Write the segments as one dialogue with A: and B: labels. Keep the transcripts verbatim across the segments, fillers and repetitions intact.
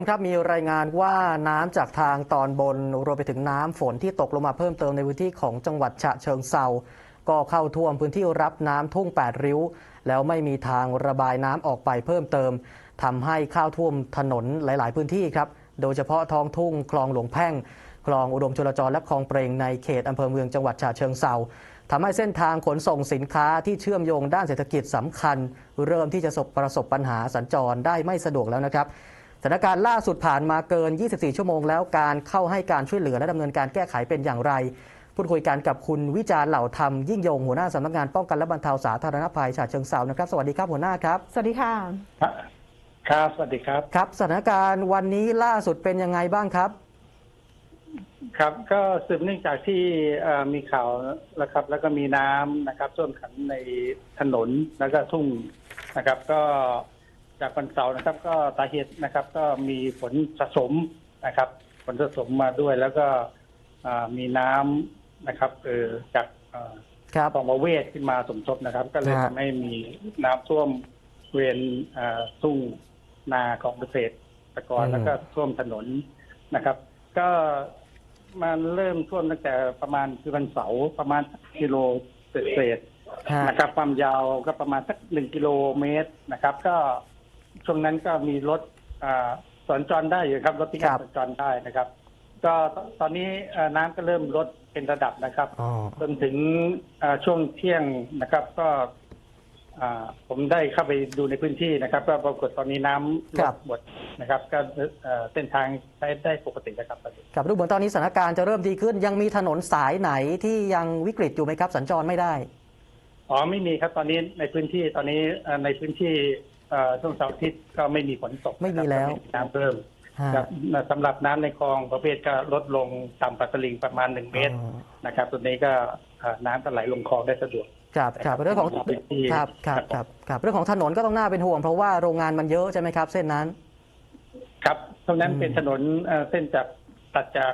A: ครับมีรายงานว่าน้ำจากทางตอนบนรวมไปถึงน้ำฝนที่ตกลงมาเพิ่มเติมในพื้นที่ของจังหวัดฉะเชิงเทราก็เข้าท่วมพื้นที่รับน้ำทุ่งแปดริ้วแล้วไม่มีทางระบายน้ำออกไปเพิ่มเติมทำให้เข้าท่วมถนนหลาย ๆ พื้นที่ครับโดยเฉพาะท้องทุ่งคลองหลวงแพ่งคลองอุดมชลจรและคลองเปรงในเขตอำเภอเมืองจังหวัดฉะเชิงเทราทำให้เส้นทางขนส่งสินค้าที่เชื่อมโยงด้านเศรษฐกิจสำคัญเริ่มที่จะประสบปัญหาสัญจรได้ไม่สะดวกแล้วนะครับสถานการณ์ล่าสุดผ่านมาเกิน ยี่สิบสี่ ชั่วโมงแล้วการเข้าให้การช่วยเหลือและดำเนินการแก้ไขเป็นอย่างไรพูดคุยกันกับคุณวิจารณ์เหล่าธรรมยิ่งยงหัวหน้าสำนักงานป้องกันและบรรเทาสาธารณภัยฉะเชิงเทรานะครับสวัสดีครับหัวหน้าครับ
B: สวัสดีค่ะ
C: ครับสวัสดีครับ
A: ครับสถานการณ์วันนี้ล่าสุดเป็นยังไงบ้างครับ
C: ครับก็สืบเนื่องจากที่มีข่าวนะครับแล้วก็มีน้ำนะครับท่วมขังในถนนแล้วก็ทุ่งนะครับก็จากวันเสาร์นะครับก็สาเหตุนะครับก็มีฝนสะสมนะครับฝนสะสมมาด้วยแล้วก็มีน้ำนะครับเออจากคลองประเวศขึ้นมาสมทบนะครับก็เลยทำให้มีน้ำท่วมเวียนทุ่งนาของเกษตรกรแล้วก็ท่วมถนนนะครับก็มันเริ่มท่วมตั้งแต่ประมาณคือวันเสาร์ประมาณกิโลเศษนะครับความยาวก็ประมาณสักหนึ่งกิโลเมตรนะครับก็ช่วงนั้นก็มีรถสัญจรได้อยู่ครับรถที่สัญจรได้นะครับก็ตอนนี้น้ำก็เริ่มลดเป็นระดับนะครับจนถึงช่วงเที่ยงนะครับก็ผมได้เข้าไปดูในพื้นที่นะครับก็ปรากฏตอนนี้น้ำลดหมดนะครับก็เส้นทางใช้ได้ปกตินะครับ
A: ครับดูเหมือนตอนนี้สถานการณ์จะเริ่มดีขึ้นยังมีถนนสายไหนที่ยังวิกฤตอยู่ไหมครับสัญจรไม่ได้
C: อ๋อไม่มีครับตอนนี้ในพื้นที่ตอนนี้ในพื้นที่ช่วงเสาร์อาทิตย์ก็ไม่มีฝนตก
A: ไม่มีแล้ว
C: น้ำเพิ่มสำหรับน้ำในคลองประเภทก็ลดลงต่ำกว่าตลิ่งประมาณหนึ่งเมตรนะครับตัวนี้ก็น้ำก็ไหลลงคลองได้สะดวก
A: ครับครับเรื่องของครับครับครับครับเรื่องของถนนก็ต้องน่าเป็นห่วงเพราะว่าโรงงานมันเยอะใช่ไหมครับเส้นนั้น
C: ครับตรงนั้นเป็นถนนเส้นจากตัดจาก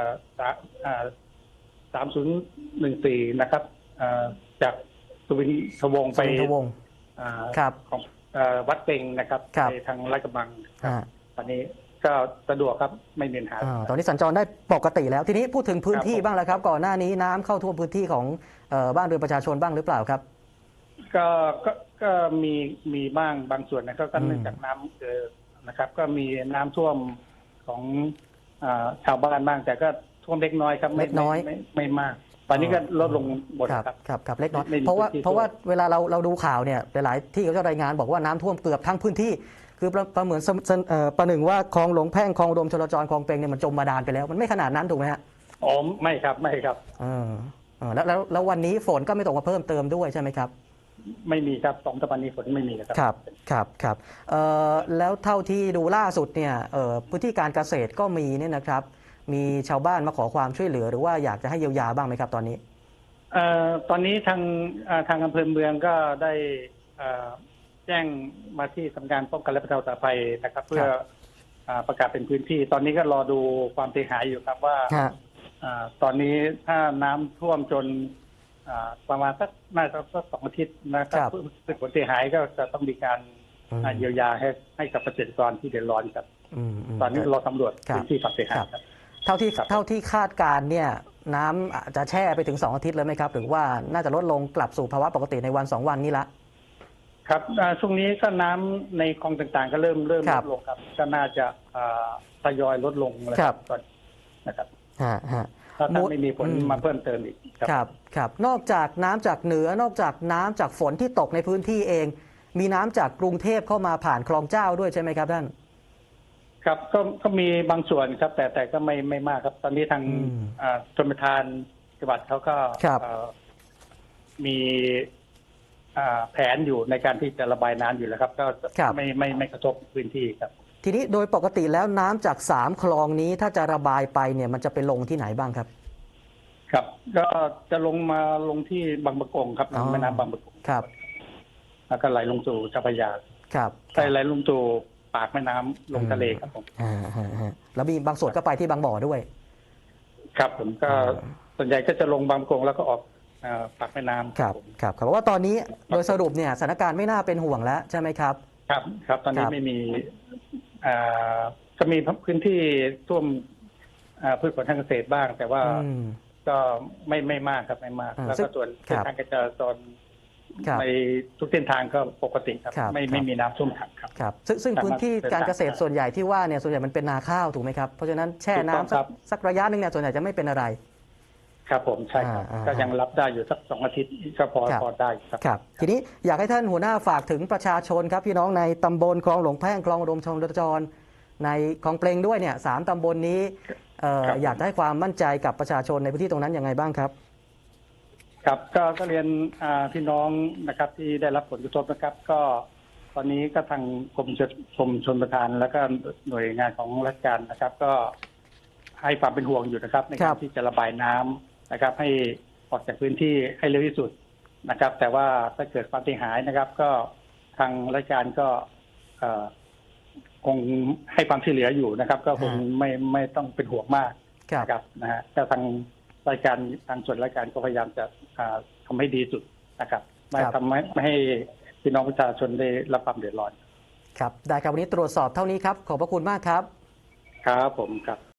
C: สามศูนย์หนึ่งสี่นะครับจากสุวินทวงศ์ไปของวัดเป่งนะครับไปทางลาดกระบังตอนนี้ก็สะดวกครับไม่มีปัญหา
A: ตอนนี้สัญจรได้ปกติแล้วทีนี้พูดถึงพื้นที่บ้างแล้วครับก่อนหน้านี้น้ำเข้าท่วมพื้นที่ของบ้านเรือนประชาชนบ้างหรือเปล่าครับ
C: ก็ก็ก็มีมีบ้างบางส่วนนะครับก็เนื่องจากน้ำเกิดนะครับก็มีน้ำท่วมของชาวบ้านบ้างแต่ก็ท่วมเล็กน้อยครับ
A: เล็กน้อย
C: ไม่ไม่มากตอนนี้ก็ลดลงหมดครับ
A: ครับครับเล็กน้อยเพราะว่าเพราะว่าเวลาเราเราดูข่าวเนี่ยหลายๆที่เขาจะรายงานบอกว่าน้ำท่วมเกือบทั้งพื้นที่คือประเหมือนประหนึ่งว่าคลองหลวงแพ่งคลองอุดมชลจรคลองเปงเนี่ยมันจมบาดาลไปแล้วมันไม่ขนาดนั้นถูกไหมฮะ
C: อ๋อไม่ครับไม่ครับ
A: อ่าแล้วแล้วแล้ววันนี้ฝนก็ไม่ตกมาเพิ่มเติมด้วยใช่ไหมครับ
C: ไม่มีครับสองสัปดาห์นี้ฝนไม่มีครับ
A: ครับครับครับเอ่อแล้วเท่าที่ดูล่าสุดเนี่ยเอ่อพื้นที่การเกษตรก็มีเนี่ยนะครับมีชาวบ้านมาขอความช่วยเหลือหรือว่าอยากจะให้เยียวยาบ้างไหมครับตอนนี้
C: เอ่อตอนนี้ทางทางอำเภอเมืองก็ได้แจ้งมาที่สำนักงานป้องกันและบรรเทาสาธารณภัยนะครับเพื่อประกาศเป็นพื้นที่ตอนนี้ก็รอดูความเสียหายอยู่ครับว่าตอนนี้ถ้าน้ำท่วมจนประมาณสักน่าจะสักสองอาทิตย์นะครับผลเสียหายก็จะต้องมีการเยียวยาให้ให้กับเกษตรกรที่เดือดร้อนครับตอนนี้เราสำรวจพื้นที่ความเสียหายครับ
A: เท่าที่เท่าที่คาดการเนี่ยน้ำจะแช่ไปถึงสองอาทิตย์เลยไหมครับหรือว่าน่าจะลดลงกลับสู่ภาวะปกติในวันสองวันนี้ละ
C: ครับช่วงนี้ก็น้ำในคลองต่างๆก็เริ่มเริ่มลดลงครับก็น่าจะทยอยลดลงแล้วครับนะครับถ้าไม่มีฝนมาเพิ่มเติมอีก
A: ครับครับนอกจากน้ำจากเหนือนอกจากน้ำจากฝนที่ตกในพื้นที่เองมีน้ำจากกรุงเทพเข้ามาผ่านคลองเจ้าด้วยใช่ไหมครับท่าน
C: ครับก็ก็มีบางส่วนครับแต่แต่ก็ไม่ไม่มากครับตอนนี้ทางชลประทานจังหวัดเขาก็มีแผนอยู่ในการที่จะระบายน้ำอยู่แล้วครับก็ไม่ไม่ไม่กระทบพื้นที่ครับ
A: ทีนี้โดยปกติแล้วน้ำจากสามคลองนี้ถ้าจะระบายไปเนี่ยมันจะไปลงที่ไหนบ้างครับ
C: ครับก็จะลงมาลงที่บางปะกงครับแม่น้ำบางปะกง
A: ครับ
C: แล้วก็ไหลลงสู่เจ้าพระยา
A: ครับ
C: ไหลลงสู่ปากแม่น้ำลงทะเลครับผม
A: อ่าแล้วมีบางส่วนก็ไปที่บางบ่อด้วย
C: ครับผมก็ส่วนใหญ่ก็จะลงบางปะกงแล้วก็ออกปากแม่น้ำ
A: ครับครับครับว่าตอนนี้โดยสรุปเนี่ยสถานการณ์ไม่น่าเป็นห่วงแล้วใช่ไหมครับ
C: ครับครับตอนนี้ไม่มีก็มีพื้นที่ท่วมอ่าพืชผลทางเกษตรบ้าง แต่ว่า
A: อืม
C: ก็ไม่ไม่มากครับไม่มาก
A: อ่า
C: แล้ว
A: ซึ่
C: ก็
A: ง
C: ส่วน
A: ครับ
C: เส้นทางการจราจร
A: ครับ
C: ในทุกเส้นทางก็ปกติครับ
A: ครับ
C: ไม่
A: ครับ
C: ไม่มีน้ำท่วมขังครับ
A: ครับซึ่งซึ่ง
C: สามารถ
A: พื้นที่การเกษตร
C: เดินทางได้
A: ส่วนใหญ่ที่ว่าเนี่ยส่วนใหญ่มันเป็นนาข้าวถูกไหมครับเพราะฉะนั้นแช่
C: ถูกต้อง
A: น้ำสั
C: ครั
A: ก
C: บ
A: สักระยะหนึ่งเนี่ยส่วนใหญ่จะไม่เป็นอะไร
C: ครับผมใช่ครับ
A: อ่า
C: ก็
A: อ่า
C: ยังรับได้อยู่สักสองอาทิตย์ก็พอ
A: ครับ
C: พอได้ครับ
A: ครับทีนี้อยากให้ท่านหัวหน้าฝากถึงประชาชนครับพี่น้องในตำบลคลองหลวงแพ่งคลองอุดมชลจรในคลองเปลงด้วยเนี่ยสามตำบลนี้เอ่อ
C: ครับ
A: อยากให้ความมั่นใจกับประชาชนในพื้นที่ตรงนั้นยังไงบ้างครับ
C: ครับก็ก็เรียนอ่าพี่น้องนะครับที่ได้รับผลกระทบนะครับ ก็ตอนนี้ก็ทางกรมชลกรมชลประทาน แล้วก็หน่วยงานของราชการนะครับ ก็ให้ความเป็นห่วงอยู่นะครับ ใน
A: ครั
C: การ
A: บ
C: ที่จะระบายน้ำนะครับ ให้ออกจากพื้นที่ให้เร็วที่สุดนะครับ แต่ว่าถ้าเกิดความเสียหายนะครับ ก็ทางราชการก็เอ่อคงให้ความช่วยเหลืออยู่นะครับ ก็คงไม่ไม่ต้องเป็นห่วงมาก
A: ครับ
C: นะครับนะฮะก็ทางรายการทางส่วนรายการก็พยายามจะอ่าทำให้ดีสุดนะครับไม่
A: ครับ
C: ทำให้ไม่ให้พี่น้องประชาชนได้รับความเดือดร้อน
A: ครับได้ครับวันนี้ตรวจสอบเท่านี้ครับขอบพระคุณมากครับ
C: ครับผมครับ